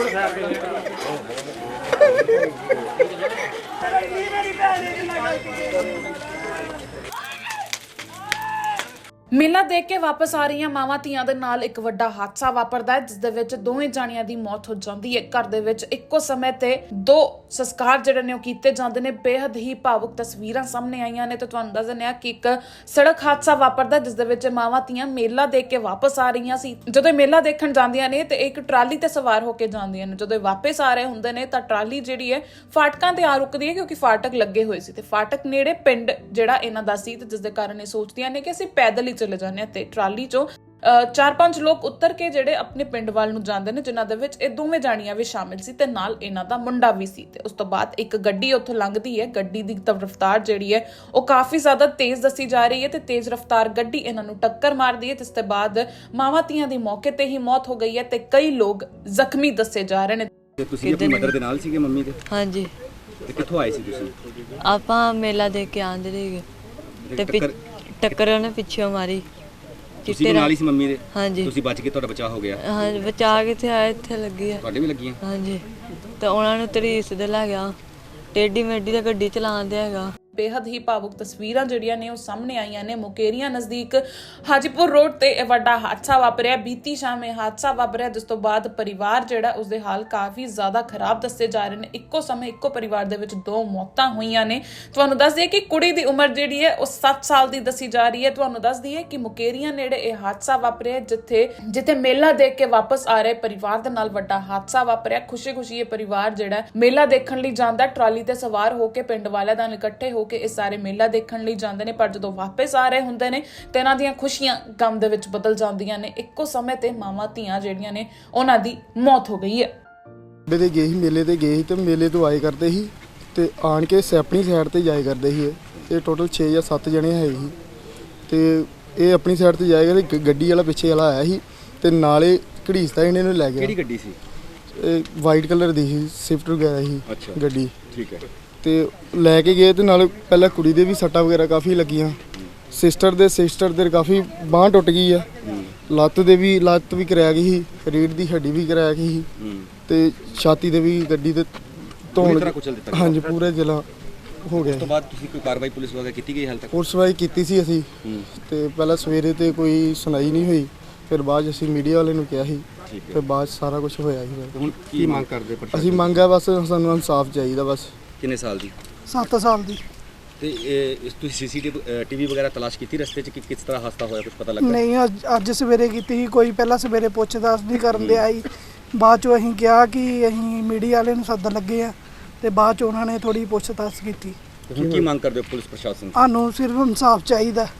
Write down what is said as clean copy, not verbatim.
ਮੇਲਾ ਦੇਖ ਕੇ ਵਾਪਸ ਆ ਰਹੀਆਂ ਮਾਵਾਂ ਧੀਆਂ ਦੇ ਨਾਲ ਇੱਕ ਵੱਡਾ ਹਾਦਸਾ ਵਾਪਰਦਾ ਹੈ, ਜਿਸ ਦੇ ਵਿੱਚ ਦੋਵੇਂ ਜਾਣੀਆਂ ਦੀ ਮੌਤ ਹੋ ਜਾਂਦੀ ਹੈ। ਘਰ ਦੇ ਵਿੱਚ ਇੱਕੋ ਸਮੇਂ ਤੇ ਦੋ ਸੰਸਕਾਰ ਜਿਹੜੇ ਨੇ ਉਹ ਕੀਤੇ ਜਾਂਦੇ ਨੇ। ਬੇहद ਹੀ ਭਾਵੁਕ ਤਸਵੀਰਾਂ ਸਾਹਮਣੇ ਆਈਆਂ ਨੇ ਤੇ ਤੁਹਾਨੂੰ ਦੱਸ ਦਿੰਦੇ ਹਾਂ ਕਿ ਇੱਕ ਸੜਕ ਹਾਦਸਾ ਵਾਪਰਦਾ ਜਿਸ ਦੇ ਵਿੱਚ ਮਾਵਾਂ ਧੀਆਂ ਮੇਲਾ ਦੇਖ ਕੇ ਵਾਪਸ ਆ ਰਹੀਆਂ ਸੀ। ਜਦੋਂ ਮੇਲਾ ਦੇਖਣ ਜਾਂਦੀਆਂ ਨੇ ਤੇ ਇੱਕ ਟਰਾਲੀ ਤੇ ਸਵਾਰ ਹੋ ਕੇ ਜਾਂਦੀਆਂ ਨੇ। ਜਦੋਂ ਵਾਪਸ ਆ ਰਹੇ ਹੁੰਦੇ ਨੇ ਤਾਂ ਟਰਾਲੀ ਜਿਹੜੀ ਹੈ ਫਾਟਕਾਂ ਤੇ ਆ ਰੁਕਦੀ ਹੈ, ਕਿਉਂਕਿ ਫਾਟਕ ਲੱਗੇ ਹੋਏ ਸੀ ਤੇ ਫਾਟਕ ਨੇੜੇ ਪਿੰਡ ਜਿਹੜਾ ਇਹਨਾਂ ਦਾ ਸੀ, ਤੇ ਜਿਸ ਦੇ ਕਾਰਨ ਇਹ ਸੋਚਦੀਆਂ ਨੇ ਕਿ ਅਸੀਂ ਪੈਦਲ ਹੀ ਚਲੇ ਜਾਂਦੇ ਤੇ ਟਰਾਲੀ ਚੋਂ 4-5 ਲੋਕ ਉਤਰ ਕੇ ਜਿਹੜੇ ਆਪਣੇ ਪਿੰਡ ਵੱਲ ਨੂੰ ਜਾਂਦੇ ਨੇ, ਜਿਨ੍ਹਾਂ ਦੇ ਵਿੱਚ ਇਹ ਦੋਵੇਂ ਜਾਣੀਆਂ ਵੀ ਸ਼ਾਮਿਲ ਸੀ ਤੇ ਨਾਲ ਇਹਨਾਂ ਦਾ ਮੁੰਡਾ ਵੀ ਸੀ। ਤੇ ਉਸ ਤੋਂ ਬਾਅਦ ਇੱਕ ਗੱਡੀ ਉੱਥੋਂ ਲੰਘਦੀ ਹੈ। ਗੱਡੀ ਦੀ ਰਫ਼ਤਾਰ ਜਿਹੜੀ ਹੈ ਉਹ ਕਾਫੀ ਜ਼ਿਆਦਾ ਤੇਜ਼ ਦੱਸੀ ਜਾ ਰਹੀ ਹੈ ਤੇ ਤੇਜ਼ ਰਫ਼ਤਾਰ ਗੱਡੀ ਇਹਨਾਂ ਨੂੰ ਟੱਕਰ ਮਾਰਦੀ ਹੈ। ਤੇ ਇਸ ਤੋਂ ਬਾਅਦ ਮਾਵਾਂ ਧੀਆਂ ਦੀ ਮੌਕੇ ਤੇ ਹੀ ਮੌਤ ਹੋ ਗਈ ਹੈ ਤੇ ਕਈ ਲੋਕ ਜ਼ਖਮੀ ਦੱਸੇ ਜਾ ਰਹੇ ਨੇ। ਤੁਸੀਂ ਆਪਣੀ ਮਦਰ ਦੇ ਨਾਲ ਸੀਗੇ, ਮੰਮੀ ਦੇ? ਹਾਂਜੀ। ਤੇ ਕਿੱਥੋਂ ਆਏ ਸੀ ਤੁਸੀਂ? ਆਪਾਂ ਮੇਲਾ ਦੇਖ ਕੇ ਆਂਦੇ ਸੀਗੇ ਤੇ ਟੱਕਰ ਉਹਨੇ ਪਿੱਛੇ ਮਾਰੀ। ਤੁਸੀਂ ਨਾਲ ਹੀ ਸੀ ਮੰਮੀ ਦੇ? ਹਾਂਜੀ। ਤੁਸੀਂ ਬਚ ਕੇ, ਤੁਹਾਡਾ ਬਚਾਅ ਹੋ ਗਿਆ? ਹਾਂ, ਬਚਾ ਕਿੱਥੇ ਆਇਆ, ਇੱਥੇ ਲੱਗੀ ਆ। ਤੁਹਾਡੇ ਵੀ ਲੱਗੀਆਂ? ਹਾਂਜੀ। ਤੇ ਉਹਨਾਂ ਨੂੰ ਤਰੀਸ ਦੇ ਲੈ ਗਿਆ, ਟੇਢੀ ਮੇਢੀ ਦਾ ਗੱਡੀ ਚਲਾਉਂਦੇ ਹੈਗਾ। ਬੇहद ਹੀ ਭਾਵੁਕ ਤਸਵੀਰਾਂ ਜਿਹੜੀਆਂ ਨੇ ਉਹ ਸਾਹਮਣੇ ਆਈਆਂ ਨੇ। ਮੁਕੇਰੀਆਂ ਨਜ਼ਦੀਕ ਹਾਜੀਪੁਰ ਰੋਡ ਤੇ ਇਹ ਵੱਡਾ ਹਾਦਸਾ ਵਾਪਰਿਆ। ਬੀਤੀ ਸ਼ਾਮ ਇਹ ਹਾਦਸਾ ਵਾਪਰਿਆ, ਜਿਸ ਤੋਂ ਬਾਅਦ ਪਰਿਵਾਰ ਜਿਹੜਾ ਉਸਦੇ ਹਾਲ ਕਾਫੀ ਜ਼ਿਆਦਾ ਖਰਾਬ ਦੱਸੇ ਜਾ ਰਹੇ ਨੇ। ਇੱਕੋ ਸਮੇਂ ਇੱਕੋ ਪਰਿਵਾਰ ਦੇ ਵਿੱਚ ਦੋ ਮੌਤਾਂ ਹੋਈਆਂ ਨੇ। ਤੁਹਾਨੂੰ ਦੱਸ ਦਈਏ ਕਿ ਕੁੜੀ ਦੀ ਉਮਰ ਜਿਹੜੀ ਹੈ ਉਹ 7 ਸਾਲ ਦੀ ਦੱਸੀ ਜਾ ਰਹੀ ਹੈ। ਤੁਹਾਨੂੰ ਦੱਸ ਦਈਏ ਕਿ ਮੁਕੇਰੀਆਂ ਨੇੜੇ ਇਹ ਹਾਦਸਾ ਵਾਪਰਿਆ, ਜਿੱਥੇ ਮੇਲਾ ਦੇਖ ਕੇ ਵਾਪਸ ਆ ਰਹੇ ਪਰਿਵਾਰ ਦੇ ਨਾਲ ਵੱਡਾ ਹਾਦਸਾ ਵਾਪਰਿਆ। ਖੁਸ਼ੀ ਇਹ ਪਰਿਵਾਰ ਜਿਹੜਾ ਮੇਲਾ ਦੇਖਣ ਲਈ ਜਾਂਦਾ, ਟਰਾਲੀ ਤੇ ਸਵਾਰ ਹੋ ਕੇ ਪਿੰਡ ਵਾਲਿਆਂ ਨਾਲ ਇਕੱਠੇ ਹੋ ਕੇ ਇਹ ਸਾਰੇ ਮੇਲਾ ਦੇਖਣ ਲਈ ਜਾਂਦੇ ਨੇ। ਪਰ ਜਦੋਂ ਵਾਪਸ ਆ ਰਹੇ ਹੁੰਦੇ ਨੇ ਤੇ ਇਹਨਾਂ ਦੀਆਂ ਖੁਸ਼ੀਆਂ ਗਮ ਦੇ ਵਿੱਚ ਬਦਲ ਜਾਂਦੀਆਂ ਨੇ। ਇੱਕੋ ਸਮੇਂ ਤੇ ਮਾਵਾਂ ਧੀਆਂ ਜਿਹੜੀਆਂ ਨੇ ਉਹਨਾਂ ਦੀ ਮੌਤ ਹੋ ਗਈ ਹੈ। ਮੇਲੇ ਤੇ ਗਏ ਸੀ ਤੇ ਮੇਲੇ ਤੋਂ ਆਏ ਕਰਦੇ ਸੀ ਤੇ ਆਣ ਕੇ ਆਪਣੀ ਸਾਈਡ ਤੇ ਜਾਏ ਕਰਦੇ ਸੀ। ਇਹ ਟੋਟਲ 6 ਜਾਂ 7 ਜਣੇ ਹੈ ਸੀ ਤੇ ਇਹ ਆਪਣੀ ਸਾਈਡ ਤੇ ਜਾਏਗਾ ਤੇ ਗੱਡੀ ਵਾਲਾ ਪਿੱਛੇ ਵਾਲਾ ਆਇਆ ਸੀ ਤੇ ਨਾਲੇ ਘੜੀਸਦਾ ਇਹਨੇ ਨੂੰ ਲੈ ਗਿਆ। ਕਿਹੜੀ ਗੱਡੀ ਸੀ? ਇਹ ਵਾਈਟ ਕਲਰ ਦੀ ਸੀ, ਸਵਿਫਟ ਵਗੈਰਾ ਸੀ ਗੱਡੀ। ਠੀਕ ਹੈ। ਤੇ ਲੈ ਕੇ ਗਏ ਤੇ ਨਾਲ ਪਹਿਲਾਂ ਕੁੜੀ ਦੇ ਵੀ ਸੱਟਾਂ ਵਗੈਰਾ ਕਾਫੀ ਲੱਗੀਆਂ। ਸਿਸਟਰ ਦੇ ਕਾਫੀ ਬਾਂਹ ਟੁੱਟ ਗਈ ਆ। ਲੱਤ ਵੀ ਕਰਾਇਆ ਗਈ ਸੀ, ਰੀੜ੍ਹ ਦੀ ਹੱਡੀ ਵੀ ਕਰਾਇਆ ਗਈ ਸੀ ਤੇ ਛਾਤੀ ਦੇ ਵੀ ਗੱਡੀ ਤੇ ਧੌਣ। ਹਾਂਜੀ, ਪੂਰੇ ਜ਼ਿਲ੍ਹਾ ਹੋ ਗਿਆ। ਉਸ ਤੋਂ ਬਾਅਦ ਤੁਸੀਂ ਕੋਈ ਕਾਰਵਾਈ ਪੁਲਿਸ ਵਗੈਰਾ ਕੀਤੀ ਗਈ ਹਾਲ ਤੱਕ? ਪੁਲਿਸ ਵਾਈ ਕੀਤੀ ਸੀ ਅਸੀਂ ਤੇ ਪਹਿਲਾਂ ਸਵੇਰੇ ਤੇ ਕੋਈ ਸੁਣਾਈ ਨਹੀਂ ਹੋਈ, ਫਿਰ ਬਾਅਦ ਅਸੀਂ ਮੀਡੀਆ ਵਾਲੇ ਨੂੰ ਕਿਹਾ ਸੀ ਤੇ ਬਾਅਦ ਸਾਰਾ ਕੁਝ ਹੋਇਆ ਸੀ। ਹੁਣ ਕੀ ਮੰਗ ਕਰਦੇ? ਅਸੀਂ ਮੰਗਿਆ ਬਸ ਸਾਨੂੰ ਇਨਸਾਫ ਚਾਹੀਦਾ ਬਸ। ਕਿੰਨੇ ਸਾਲ ਦੀ? 7 ਸਾਲ ਦੀ। ਤੇ ਇਹ ਤੁਸੀਂ ਸੀਸੀਟੀਵੀ ਵਗੈਰਾ ਤਲਾਸ਼ ਕੀਤੀ ਰਸਤੇ 'ਚ ਕਿ ਕਿਸ ਤਰ੍ਹਾਂ ਹਾਦਸਾ ਹੋਇਆ, ਕੁਝ ਪਤਾ ਲੱਗਾ? ਨਹੀਂ, ਅੱਜ ਸਵੇਰੇ ਕੀਤੀ ਸੀ। ਕੋਈ ਪਹਿਲਾਂ ਸਵੇਰੇ ਪੁੱਛ-ਦੱਸ ਨਹੀਂ ਕਰਨ ਦੇ ਆਈ। ਬਾਅਦ 'ਚੋਂ ਅਸੀਂ ਕਿਹਾ ਕਿ ਅਸੀਂ ਮੀਡੀਆ ਵਾਲੇ ਨੂੰ ਸੱਦਣ ਲੱਗੇ ਆ ਤੇ ਬਾਅਦ 'ਚ ਉਹਨਾਂ ਨੇ ਥੋੜੀ ਪੁੱਛ-ਦੱਸ ਕੀਤੀ। ਹੁਣ ਕੀ ਮੰਗ ਕਰਦੇ ਹੋ ਪੁਲਿਸ ਪ੍ਰਸ਼ਾਸਨ? ਸਾਨੂੰ ਸਿਰਫ ਇਨਸਾਫ ਚਾਹੀਦਾ।